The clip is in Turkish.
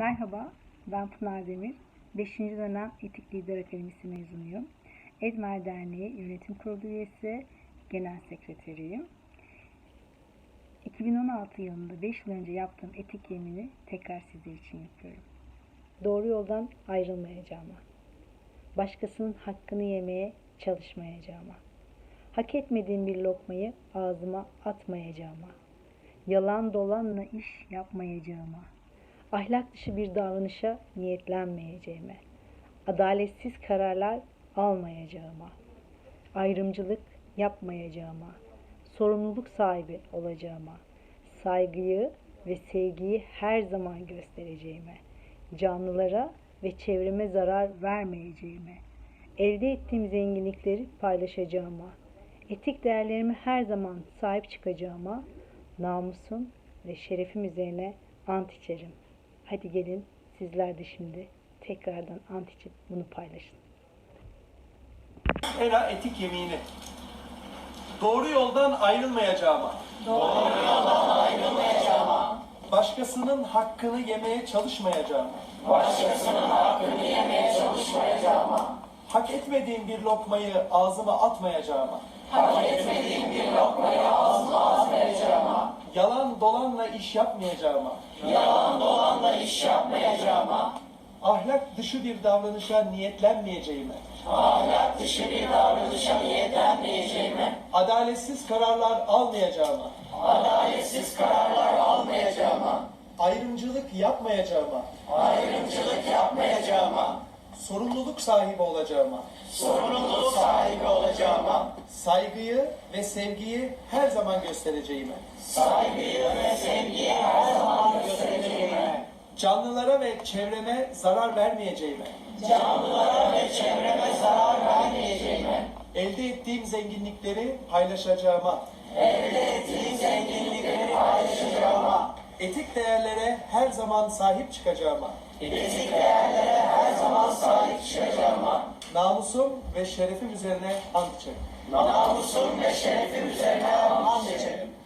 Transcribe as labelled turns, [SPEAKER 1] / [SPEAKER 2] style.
[SPEAKER 1] Merhaba, ben Pınar Demir. 5. dönem Etik Lider Akademisi mezunuyum. Edmer Derneği Yönetim Kurulu üyesi, genel sekreteriyim. 2016 yılında 5 yıl önce yaptığım etik yemini tekrar sizler için yapıyorum. Doğru yoldan ayrılmayacağıma, başkasının hakkını yemeye çalışmayacağıma, hak etmediğim bir lokmayı ağzıma atmayacağıma, yalan dolanla iş yapmayacağıma, ahlak dışı bir davranışa niyetlenmeyeceğime, adaletsiz kararlar almayacağıma, ayrımcılık yapmayacağıma, sorumluluk sahibi olacağıma, saygıyı ve sevgiyi her zaman göstereceğime, canlılara ve çevreme zarar vermeyeceğime, elde ettiğim zenginlikleri paylaşacağıma, etik değerlerime her zaman sahip çıkacağıma, namusum ve şerefim üzerine ant içerim. Hadi gelin sizler de şimdi tekrardan ant içip bunu paylaşın.
[SPEAKER 2] ERA etik yemini. Doğru yoldan ayrılmayacağıma. Başkasının hakkını yemeye çalışmayacağıma. Hak etmediğim bir lokmayı ağzıma atmayacağıma. Yalan dolanla iş yapmayacağıma. Ahlak dışı bir davranışa niyetlenmeyeceğime. Adaletsiz kararlar almayacağıma. Ayrımcılık yapmayacağıma. Sorumluluk sahibi olacağıma. Saygıyı ve sevgiyi her zaman göstereceğime. Canlılara ve çevreme zarar vermeyeceğime. Elde ettiğim zenginlikleri paylaşacağıma. Etik değerlere her zaman sahip çıkacağıma. Namusum ve şerefim üzerine ant içerim.